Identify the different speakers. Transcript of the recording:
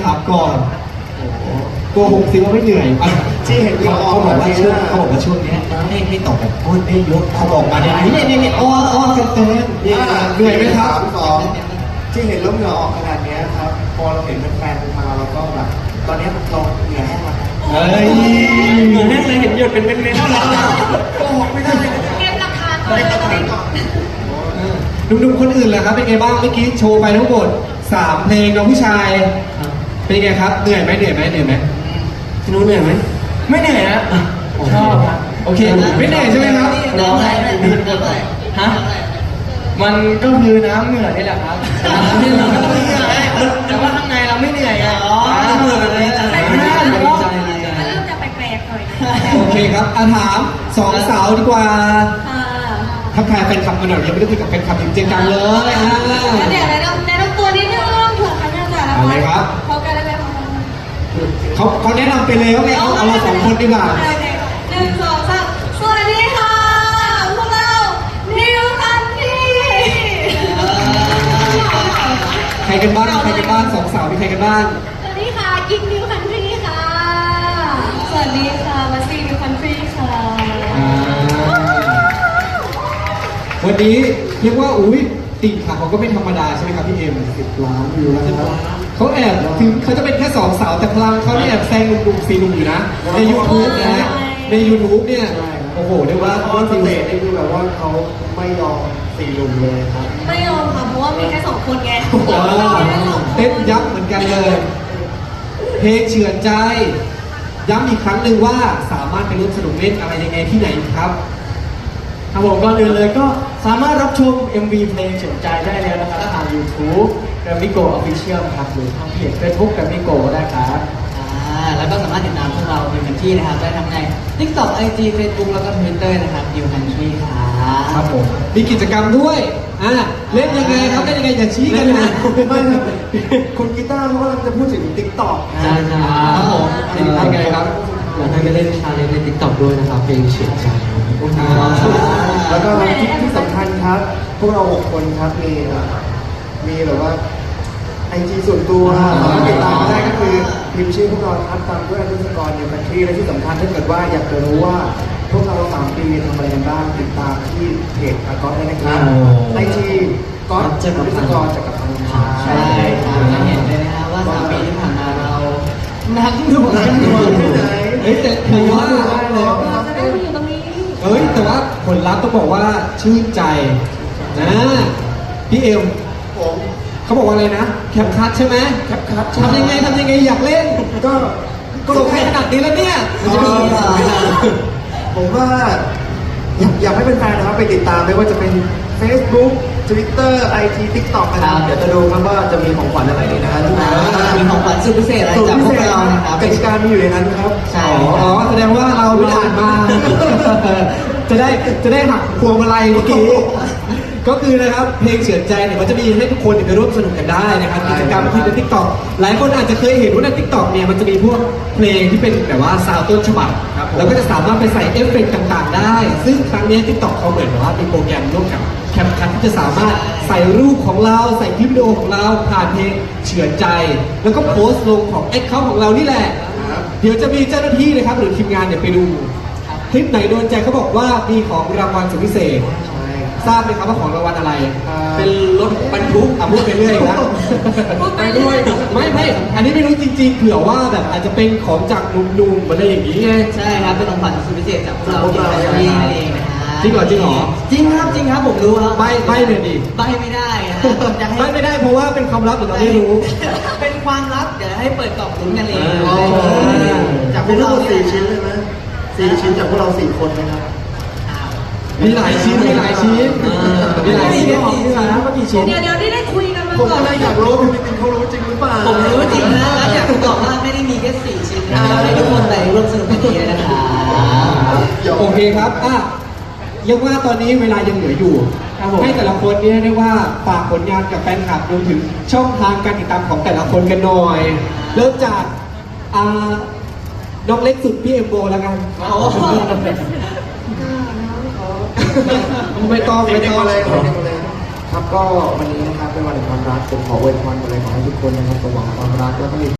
Speaker 1: ถามก่อนโกหกสิว่าไม่เหนื่อยที่เห็นเขาบอกว่าช่วงนี้ให้ตอบแบบพูดได้ยกเขาบอกมาเนี่ยอ้อกันเต็มเหนื่อยไหมครับ
Speaker 2: ที่เห็นล้มเหงื่อออกขนาดนี้ครับพอเราเห็นแฟนๆมาเราก็แบบตอนนี้เราเหนื่อยแห้งแล้ว
Speaker 1: เหนื่อยแห้งเลยเห็นหยดเป็นเม็ดๆแล้ว
Speaker 2: โกหกไม่ได้
Speaker 3: เก็บหลักฐานก่อนเลยก่อน
Speaker 1: หนุ่มๆคนอื่นล่ะครับเป็นไงบ้างเมื่อกี้โชว์ไปทั้งหมด3เพลงน้องผู้ชายเป็นไงครับเหนื่อยไหมพี่นุ้ยเหนื่อยไหมไม่เหนื่อยนะชอบครับโอเคไม่เหนื่อยใช่ไหมครับ
Speaker 3: ร้องอะไร
Speaker 1: ฮะมันก็คือน้ำเหนื่อยนี่แหละครับนี่เราก็ต้องเหนื่อยแต่ว่าข้างในเราไม่เหนื่อยไงเหนื่อยแบบนี้
Speaker 3: เริ่มจะแปลกๆหน่อย
Speaker 1: โอเคครับถาม2 สาวดีกว่าทักทายแฟนคลับกันหน่อยยังไม่ได้คุยกับแฟนคลับจริงจังเลย
Speaker 3: เดี๋ยวแนะนำตัวนิดนึงเผื่อใครไม่รู้จักแล้ว
Speaker 1: อะไรครับ
Speaker 3: พอกันได้ไหม
Speaker 1: เขาแนะนำไปแล้วไงเอาเรา2 คนดีกว่า
Speaker 3: 1 2 3สวัสดีค่ะพวกเรานิวคันทรี
Speaker 1: ใครกันบ้าง2 สาวมีใครกันบ้าง
Speaker 3: สวัสดีค่ะกิ๊กนิวคันทรีค่ะสวัสดีค่ะมัสซี่นิวคันทรีค่ะ
Speaker 1: วันนี้เรียกว่าอุ้ยติ่งค่ะเขาก็ไม่ธรรมดาใช่ไหมครับพี่เอ็ม
Speaker 2: 10 ล้านวิวแล้วครับ
Speaker 1: เขาแอบถึงเขาจะเป็นแค่2 สาวแต่พลังเขาแอบแซงหนุ่มๆ4 หนุ่มอยู่นะใน YouTube นะฮะใน YouTube เนี่ยโอ้โหเรียกว่า
Speaker 2: สเตจนี่คือแบบว่าเขาไม่ยอม4 หนุ่มเลยครับ
Speaker 3: ไม่ยอมค่ะเพราะว่ามีแค่2 คนไง
Speaker 1: เต้นยับเหมือนกันเลยเพลงเฉื่อยใจย้ำอีกครั้งหนึ่งว่าสามารถไปร่วมสนุกเล่นอะไรยังไงที่ไหนครับ
Speaker 4: ครับผมก่อนอื่นเลยก็สามารถรับชม MV เพลงเฉื่อยใจได้แล้วนะครับทาง YouTube Grammy Go Official ครับหรือทางเพจ Facebook Grammy Go ได้ครับ
Speaker 5: แล้วก็สามารถติดตามพวกเราเป็นที่นะครับได้ทั้งใน TikTok IG Facebook แล้วก็ Twitter นะครับ New Country
Speaker 1: ครับผมมีกิจกรรมด้วยเล่นยังไงครับเล่นยังไงอย่าชี้กันนะ
Speaker 2: ไม่ครับคุณกีตาร์เขากำลังจะพูดถึง TikTok
Speaker 5: ใช่
Speaker 1: ครับผมยังไงครับ
Speaker 5: อยากให้ไปเล่นชาเลนจ์ใน TikTok ด้วยนะครับเพลงเฉื่อยใจ
Speaker 2: แล้วก็ที่สำคัญครับพวกเรา6 คนครับมีแบบว่าIG ส่วนตัวสามารถติดตามมาได้ก็คือพิมพ์ชื่อพวกเราครับตามด้วย_นิวคันทรีและที่สำคัญถ้าเกิดว่าอยากจะรู้ว่าพวกเรา3 ปีทำอะไรกันบ้างติดตามที่เพจก๊อตได้นะครับIG ก๊อต_จักรพันธ์
Speaker 5: ใช่ครับจะเห็นเลยนะฮะว่า3 ปีที่ผ่านมาเรานักหน่วง
Speaker 2: ที่ไหน
Speaker 1: แต่ถือว่า
Speaker 3: เราจะได้มาอยู่ตรงนี้
Speaker 1: แต่ว่าผลลัพธ์ต้องบอกว่าชื่นใจนะพี่เอ็ม
Speaker 2: ผม
Speaker 1: เขาบอกว่าอะไรนะแคปคัทใช่ไหม
Speaker 2: แคปคัท
Speaker 1: ทำยังไงอยากเล่นก็ลงให้ขนาดนี้แล้วเนี่ย
Speaker 2: ผมว่าอยากให้เป็นแฟนนะครับไปติดตามไม่ว่าจะเป็น Facebook Twitter IG TikTok นะครับเดี๋ยวจะดูครับว่าจะมีของขวัญอะไรนะครับ
Speaker 5: มีของขวัญสุดพิเศษอะไรจากพวกเรานะครับ
Speaker 2: กติกามีอยู่ในนั้นครับ
Speaker 5: ใช่
Speaker 1: แสดงว่าเราไม่อ่านมาจะได้หักพวงมาลัยเมื่อกี้ก็คือนะครับเพลงเฉื่อยใจเนี่ยมันจะมีให้ทุกคนไปร่วมสนุกกันได้นะครับกิจกรรมที่ใน TikTok หลายคนอาจจะเคยเห็นว่าใน TikTok เนี่ยมันจะมีพวกเพลงที่เป็นแบบว่าซาวด์ต้นฉบับแล้วก็จะสามารถไปใส่เอฟเฟกต์ต่างๆได้ซึ่งครั้งนี้ TikTok เขาเหมือนว่ามีโปรแกรมร่วมกับแคปคัทที่จะสามารถใส่รูปของเราใส่คลิปวิดีโอของเราผ่านเพลงเฉื่อยใจแล้วก็โพสต์ลงของ Account ของเรานี่แหละเดี๋ยวจะมีเจ้าหน้าที่นะครับหรือทีมงานเนี่ยไปดูคลิปไหนโดนใจเขาบอกว่ามีของรางวัลสุดพิเศษทราบไหมครับว่าของรางวัลอะไรเป็นรถบรรทุกพูดไปเรื่อยนะไปด้วยไม่อันนี้ไม่รู้จริงๆเผื่อว่าแบบอาจจะเป็นของจากหนุ่มๆอะไรอย่างนี้ไง
Speaker 5: ใช่ครับเป็นของขวัญสุดพิเศษจากพวกเราเองนะฮะ
Speaker 1: จริงเหรอจริง
Speaker 5: ครับผมรู้ครับ
Speaker 1: ใบเลยดิ
Speaker 5: ใบไม่ได้นะ
Speaker 1: ใบไม่ได้เพราะว่าเป็นความลับหรือเราไม่รู้
Speaker 5: เป็นความลับเดี๋ยวให้เปิดกล่องลุ้นกันเอง
Speaker 2: จากพวกเรา4 ชิ้นเลยไหม4 ชิ้นจากพวกเรา4 คนนะครับ
Speaker 1: มีหลายชิ้นนะเมื่อกี้ชิ้น
Speaker 3: เดี๋ยวได้คุยกันมาก่อน
Speaker 2: ผมก็เลยอยากรู้พี่ปิ๊งเขารู้จริงหรือเปล่า
Speaker 5: ผมรู้จริงนะแล้วอยากบอกว่าไม่ได้มีแค่4 ชิ้นนะให้ทุกคนไปร่วมสนุกกันดีนะคะ
Speaker 1: โอเคครับยังว่าตอนนี้เวลายังเหลืออยู่ให้แต่ละคนเนี่ยได้ว่าฝากผลงานกับแฟนคลับรวมถึงช่องทางการติดตามของแต่ละคนกันหน่อยเริ่มจากน้องเล็กสุดพี่เอ็มโบแล้วกันไม่ต้อง
Speaker 2: เลยครับก็วันนี้นะครับเป็นวันแห่งความรักผมขออวยพรอะไรขอให้ทุกคนนะครับสมหวังความรักแล้วก็มี